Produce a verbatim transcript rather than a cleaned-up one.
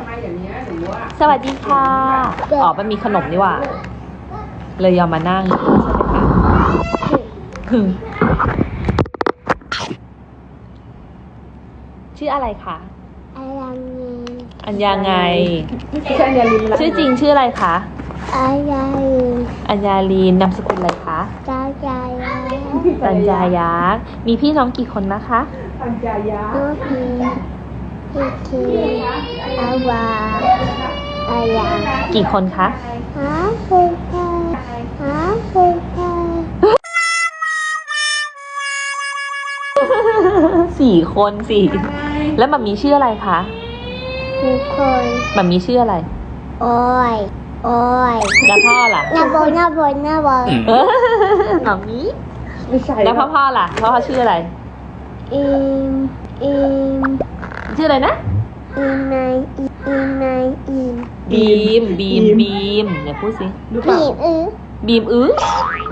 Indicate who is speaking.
Speaker 1: ไมอย่างเนี้ยหนูว่า
Speaker 2: สวัสดีค่ะ อ๋อ มันมีขนมนี่หว่า เลยยอมมานั่งใช่ไหมคะชื่ออะไรคะ อัญญาไง
Speaker 1: ใช่เนี่ยลินละ
Speaker 2: ชื่อจริงชื่ออะไรคะ
Speaker 3: อัญญาลี
Speaker 2: อัญญาลีนนามสกุลอะไรคะ
Speaker 3: ตาใจยา
Speaker 2: ปัญญายักษ์มีพี่น้องกี่คนนะคะ
Speaker 1: ปัญญายา
Speaker 3: โอเคพี่คีอาวาอายา
Speaker 2: กี่คนคะ
Speaker 3: หาฟูคาหาฟูคา
Speaker 2: สี่คนสี่ แล้วมัมมีชื่ออะไรคะ
Speaker 3: ทุกคน
Speaker 2: มัมมีชื่ออะไร
Speaker 3: โอ้ยโอ้ย
Speaker 2: แล้วพ่อล่ะ
Speaker 3: หน้าบนหน้าบนหน้าบน
Speaker 2: เออมัมมี
Speaker 1: ไม่ใช่
Speaker 2: แล้วพ่อพ่อล่ะ พ่อพ่อชื่ออะไร
Speaker 3: อิมอิม
Speaker 2: ชื่ออะไรนะ
Speaker 3: อิมไนอิมไนอิม
Speaker 2: บีม บีม บีมเนี่ยพูดสิ
Speaker 1: ดูเปล่า
Speaker 3: บีมอือ
Speaker 2: บีมอื้อ